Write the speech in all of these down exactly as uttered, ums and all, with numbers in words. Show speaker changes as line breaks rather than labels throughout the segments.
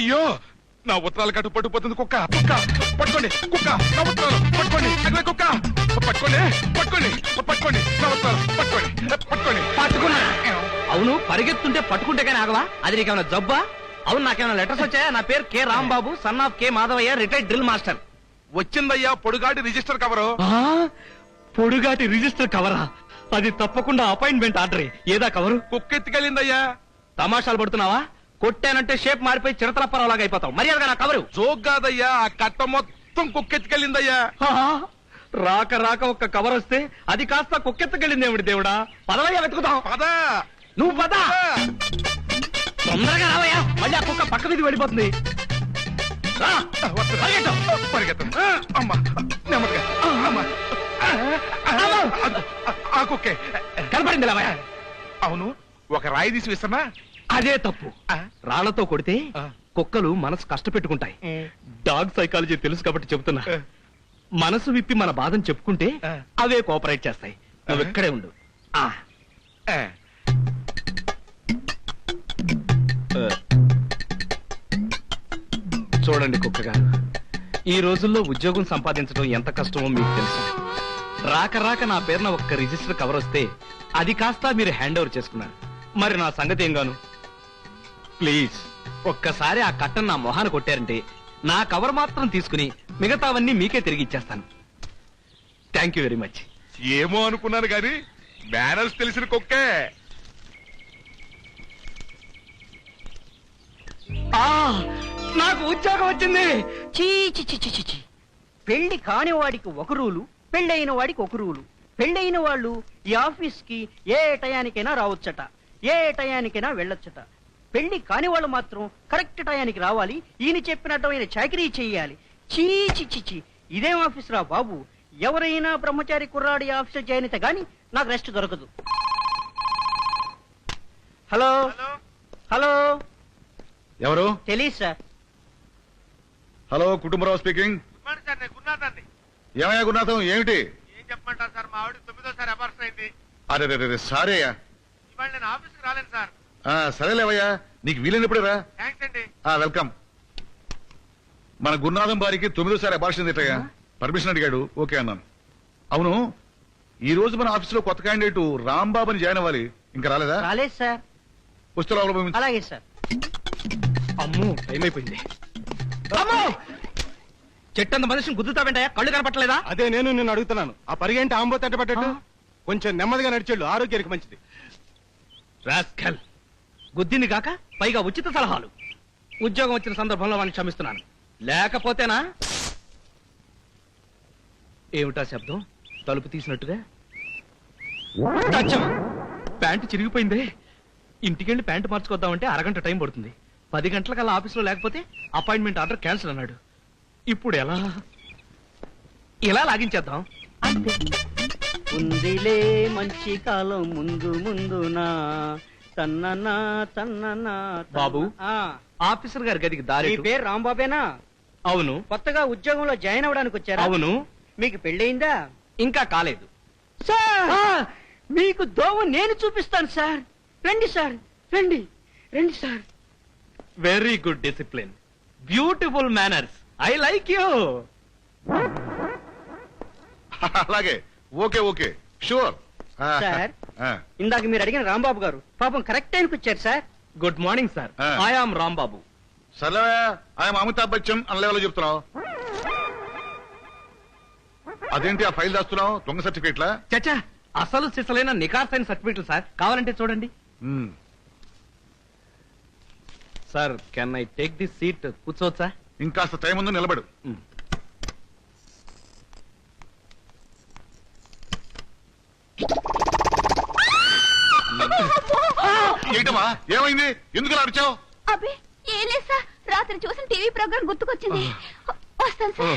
అయ్యో నా ఉత్తరాలు కట్టు పట్టుకుపోతుంది కుక్క కుక్క పట్టుకోండి కుక్క నా ఉత్తరాలు పట్టుకోండి అగ్ని కుక్క పట్టుకోండి పట్టుకోండి పట్టుకోండి నా ఉత్తరాలు పట్టుకోండి పట్టుకోండి
పట్టుకున్నా. అవును పరిగెత్తుంటే పట్టుకుంటే కానీ ఆగవా? అది నీకేమైనా జబ్బా? అవును నాకేమైనా లెటర్స్ వచ్చాయా? నా పేరు K Rambabu, son of K Madhavayya, retired drill master.
వచ్చిందయ్యా పొడుగాటి రిజిస్టర్ కవరు.
పొడుగాటి రిజిస్టర్ కవరా? అది తప్పకుండా అపాయింట్మెంట్ ఆర్డర్. ఏదా కవరు?
కుక్క ఎత్తుకెళ్ళిందయ్యా.
తమాషాలు పడుతున్నావా? కొట్టానంటే షేప్ మారిపోయి చిరతల పరవలాగా అయిపోతావు. మర్యాదగా నా కవరు.
జోక్ కాదయ్యా, ఆ కట్ట మొత్తం కుక్క ఎత్తుకెళ్ళిందయ్యా.
రాక రాక ఒక్క కవర్ వస్తే అది కాస్త కుక్కెత్తకెళ్ళింది ఏమిటి దేవుడా? పదవయ్యా వెతుకుతాం.
పద
నువ్వు పద, తొందరగా రావయ్యా. మళ్ళీ ఆ కుక్క పక్క మీద వెళ్ళిపోతుంది.
పరిగెత్తం అమ్మా నెమ్మదిగా అమ్మా. ఆ కుక్కే
కనపడింది రావయ్యా.
అవును ఒక రాయి తీసి విసన్నా.
అదే తప్పు. రాళ్లతో కొడితే కుక్కలు మనసు కష్టపెట్టుకుంటాయి. డాగ్ సైకాలజీ తెలుసు కాబట్టి చెబుతున్నా. మనసు విప్పి మన బాధను చెప్పుకుంటే అవే కోఆపరేట్ చేస్తాయి. నువ్వు ఇక్కడే ఉండు. చూడండి కుక్క గారు, ఈ రోజుల్లో ఉద్యోగం సంపాదించడం ఎంత కష్టమో మీకు తెలుసు. రాక రాక నా పేరున ఒక్క రిజిస్టర్ కవర్ వస్తే అది కాస్త మీరు హ్యాండ్ ఓవర్ చేసుకున్నారు. మరి నా సంగతి ఏం గాను? ప్లీజ్ ఒక్కసారి ఆ కట్టను నా మొహాన కొట్టారంటే నా కవర్ మాత్రం తీసుకుని మిగతావన్నీ మీకే తిరిగి ఇచ్చేస్తాను. Thank you very much.
ఏమో అనుకున్నాను గాని మేనర్స్ తెలిసిన కుక్కే.
నాకు ఉద్యోగం వచ్చింది.
చీ చి చి చి చి. పెళ్లి కాని వాడికి ఒక రూలు, పెళ్ళైన వాడికి ఒక రూలు. పెళ్ళైన వాళ్ళు ఈ ఆఫీస్ కి ఏ టయానికైనా రావచ్చట, ఏ టయానికైనా వెళ్ళొచ్చట. పెళ్లి కాని వాళ్ళు మాత్రం కరెక్ట్ టయానికి రావాలి. ఈయన చెప్పినట్టు ఆయన చాకరీ చెయ్యాలి. చీ చి చి చి. ఇదేం ఆఫీస్ రా బాబు? ఎవరైనా బ్రహ్మచారి కుర్రాడి ఆఫీస్ జాయిన్ అయితే గాని నాకు రెస్ట్ దొరకదు. హలో హలో,
ఎవరు?
తెలీదు సార్.
Hello Kutumbarao speaking. ఏమయ్యా గురునాథం, ఏమిటి?
ఏం చెప్పమంటారు సార్, మా ఆవిడ తొమ్మిదోసారి అబార్షన్ అయింది.
అరే రే సారీ అయ్యా.
ఇవాళ నేను ఆఫీస్కి రాలేను సార్.
సరేలేవయ్యా, నీకు వీలైనప్పుడే రా.
థ్యాంక్స్ అండి.
వెల్కమ్. మన గురునాథం బారికి తొమ్మిదోసారి అబార్షన్ తిట్టయ్యా. పర్మిషన్ అడిగాడు, ఓకే అన్నాను. అవును, ఈ రోజు మన ఆఫీసులో కొత్త క్యాండిడేట్ రాంబాబుని జాయిన్ అవ్వాలి. ఇంకా రాలేదా?
రాలేదు సార్.
వస్తే లోపల పంపించు.
అలాగే సార్.
అమ్మో టైం అయిపోయింది. అమ్మో చెట్టంత మనిషిని గుద్దుతావేంటయ్యా? కళ్ళు కనపట్టలేదా?
అదే నేను నిన్ను అడుగుతున్నాను. ఆ పరిగెంటి ఆంబో తట్టబట్టట్టు కొంచెం నెమ్మదిగా నడిచేళ్ళు, ఆరోగ్యానికి మంచిది.
రాస్కల్, గుద్దింది కాక పైగా ఉచిత సలహాలు. ఉద్యోగం వచ్చిన సందర్భంలో వాడిని క్షమిస్తున్నాను, లేకపోతేనా? ఏమిటా శబ్దం? తలుపు తీసినట్టుగా. అచ్చం, ప్యాంటు చిరిగిపోయిందే. ఇంటికెళ్ళి ప్యాంటు మార్చుకొద్దామంటే అరగంట టైం పడుతుంది. పది గంటలకల్లా ఆఫీసులో లేకపోతే అపాయింట్మెంట్ ఆర్డర్ క్యాన్సిల్ అన్నాడు. ఇప్పుడు ఎలా? ఇలా లాగించేద్దాం.
ఉందిలే మంచి కాలం ముందు ముందునా తన్ననా తన్ననా.
బాబు,
ఆ
ఆఫీసర్ గారి గదికి దారి.
మీ పేరు రాంబాబేనా?
అవును.
కొత్తగా ఉద్యోగంలో జాయిన్ అవ్వడానికి వచ్చారా?
అవును.
మీకు పెళ్ళయిందా?
ఇంకా కాలేదు.
సార్ మీకు దోవ నేను చూపిస్తాను సార్. రండి సార్, రండి రండి sir.
Very good discipline, beautiful manners. I like you.
అలాగే, ఓకే ఓకే, షూర్.
సార్, ఇందాక మీరు అడిగిన రాంబాబు గారు పాపం కరెక్ట్ టైంకి వచ్చారు sir.
Good morning sir. I am Rambabu.
సర్లే, ఆయన అమితాబ్ బచ్చన్ అన్న లెవెల్లో చెప్తున్నావు. అదేంటి ఆ ఫైల్ దాస్తున్నావు? దొంగ సర్టిఫికేట్లా?
చచ్చా, అసలు సిసలైన నికార్సైన సర్టిఫికెట్లు సార్. కావాలంటే చూడండి. Sir, can I take this seat? కూర్చోవచ్చా?
ఇంకాస్త టైం ఉందో నిలబడు. ఏంటమ్మా, ఏమైంది? ఎందుకు ఇలా అరిచావు?
అబ్బే ఏం లేదు సార్, రాత్రి చూసిన టీవీ ప్రోగ్రామ్ గుర్తుకొచ్చింది. వస్తాను సార్.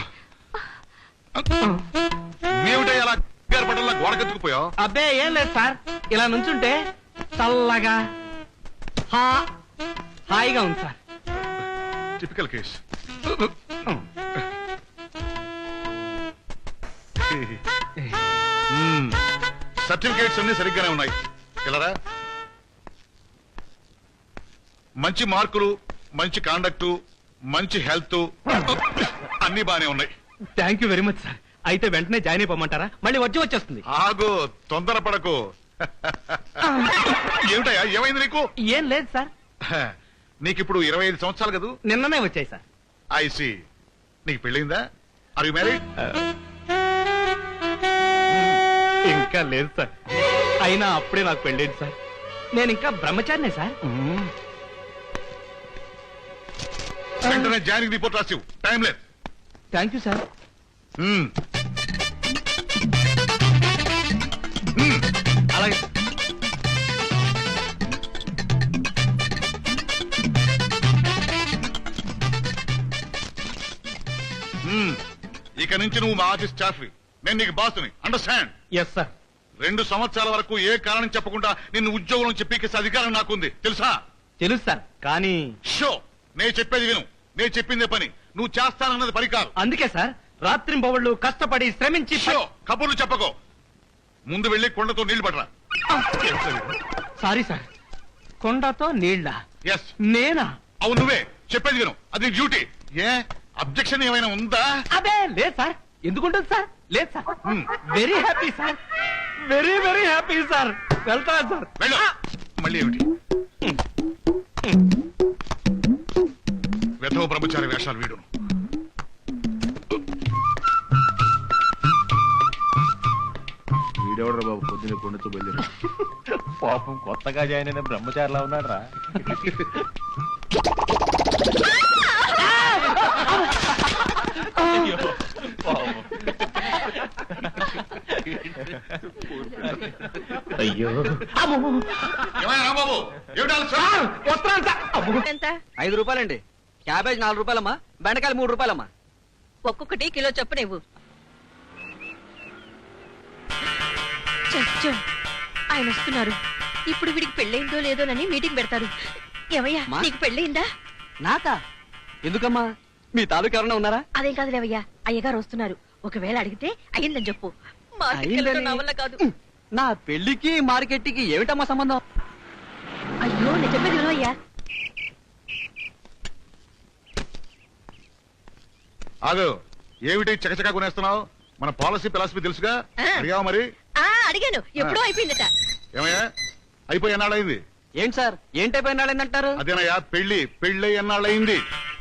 ఏమిటో అలా పడల్లా గోడకెత్తుకుపోయావు?
అబ్బే ఏం లేదు సార్, ఇలా నుంచుంటే చల్లగా హా- హాయిగా ఉంది సార్.
Typical case. సర్టిఫికేట్స్ అన్ని సరిగ్గానే ఉన్నాయి. ఇలా మంచి మార్కులు, మంచి కాండక్టు, మంచి హెల్త్ అన్ని బానే ఉన్నాయి.
Thank you very much sir. అయితే వెంటనే జాయిన్ అయిపోమంటారా? మళ్ళీ వచ్చి వచ్చేస్తుంది.
ఆగు, తొందరపడకు. ఏమిటయ్యా, ఏమైంది నీకు?
ఏం లేదు సార్,
నీకిప్పుడు ఇరవై ఐదు సంవత్సరాలు కదూ?
నిన్ననే వచ్చాయి సార్.
ఐసి, నీకు పెళ్ళిందా? Are you married?
ఇంకా లేదు సార్. అయినా అప్పుడే నాకు పెళ్ళేది సార్. నేను ఇంకా బ్రహ్మచారినే సార్.
వెంటనే జాయినింగ్ రిపోర్ట్ రాసివు, టైం లేదు.
Thank you sir.
మ్మ్.
అలాగే.
మ్మ్. ఇక నుంచి నువ్వు మా ఆఫీస్ స్టాఫ్, నేను నీకు బాసుని. అండర్స్టాండ్?
Yes sir.
రెండు సంవత్సరాల వరకు ఏ కారణం చెప్పకుండా నిన్ను ఉద్యోగం నుంచి పీకేసే అధికారం నాకుంది, తెలుసా?
తెలుసు సార్, కానీ
షో, నేను చెప్పేది విను. నేను చెప్పిందే పని, నువ్వు చేస్తానన్నది పని కాదు.
అందుకే సార్ రాత్రింబవళ్ళు కష్టపడి శ్రమించి
షో, కబుర్లు చెప్పకో. ముందు వెళ్ళి కొండతో నీళ్లు పడరా.
Sorry sir. కొండతో నీళ్ళ?
ఎస్,
నేనా?
అవును నువ్వే. చెప్పేది విను, అది డ్యూటీ. ఏ అబ్జెక్షన్ ఏమైనా ఉందా?
అదే లేదు సార్. ఎందుకుంటుంది సార్? లేదు sir.
Hmm.
Very happy sir, very very happy sir. వెళ్తా సార్.
వెళ్ళు. మళ్ళీ ఏమిటి వెధవ బ్రహ్మచారి వేషాలు వీడును.
వీడెవడ్రా బాబు పొద్దున్న కొండతో బయలుదేరి. పాపం కొత్తగా జాయిన్ అయిన బ్రహ్మచారిలా ఉన్నాడు రా.
అయ్యో.
ఏమైనా రాంబాబు, ఏమిటి ఆలస్యం?
వస్తున్నాను సార్. అబ్బో.
ఎంత? ఐదు రూపాయలండి. క్యాబేజ్ నాలుగు రూపాయలమ్మా, బెండకాయలు మూడు రూపాయలమ్మా.
ఒక్కొక్కటి కిలో చొప్పున ఇవ్వు. చచ్చో, ఆయన వస్తున్నారు. ఇప్పుడు వీడికి పెళ్ళయిందో లేదోనని మీటింగ్ పెడతారు. ఏమయ్యా,
మా?
నీకు పెళ్ళయిందా?
నాకా? ఎందుకమ్మా? మీ తాలూకు ఎవరన్నా ఉన్నారా?
అదేం కాదు లేవయ్యా, అయ్యగారు వస్తున్నారు. ఒకవేళ అడిగితే అయ్యిందని చెప్పు. మార్కెట్కి
అయ్యిందని?
వెళ్ళడం నా వల్ల కాదు.
నా పెళ్లికి మార్కెట్కి ఏమిటమ్మా సంబంధం?
అయ్యో, నేను చెప్పేది వినవయ్యా.
ఆగు, ఏమిటి చకచకా కొనేస్తున్నావు? మన పాలసీ ఫిలాసఫీ తెలుసుగా?
ఆ.
అడిగావా మరి?
ఆ అడిగాను, ఎప్పుడో అయిపోయిందట.
ఏమయ్యా, అయిపోయి ఎన్నాళ్ళయింది?
ఏంటి సార్, ఏంటైపోయిన వాళ్ళేందంటారు?
అదేనయ్యా, పెళ్లి పెళ్ళి ఎన్నాళ్ళయింది?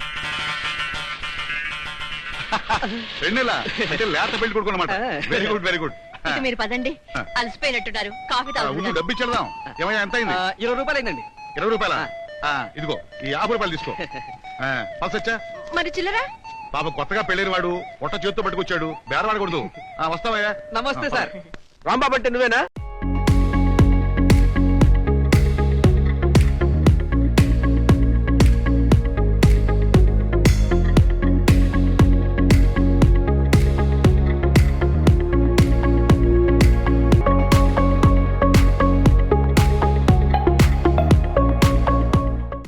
రెండేలా అంటే లేత పెళ్లి కొడుకు అనమాట. Very good very good.
ఇక మీరు పదండి, అలసిపోయినట్టున్నారు. కాఫీ
ముందు
తాగుతున్నారు.
డబ్బు ఇచ్చేద్దాం. ఏమయ్యా, ఎంత అయింది?
ఆ, ఇరవై రూపాయలు అయిందండి.
ఇరవై రూపాయల? ఇదిగో ఈ యాభై రూపాయలు తీసుకో. పల్సొచ్చా?
మరి చిల్లరా?
పాప కొత్తగా పెళ్ళైన వాడు పొట్ట చేతితో పట్టుకొచ్చాడు, బేరవాడకూడదు. ఆ, వస్తావయ్యా.
నమస్తే సార్.
రాంబాబు అంటే నువ్వేనా?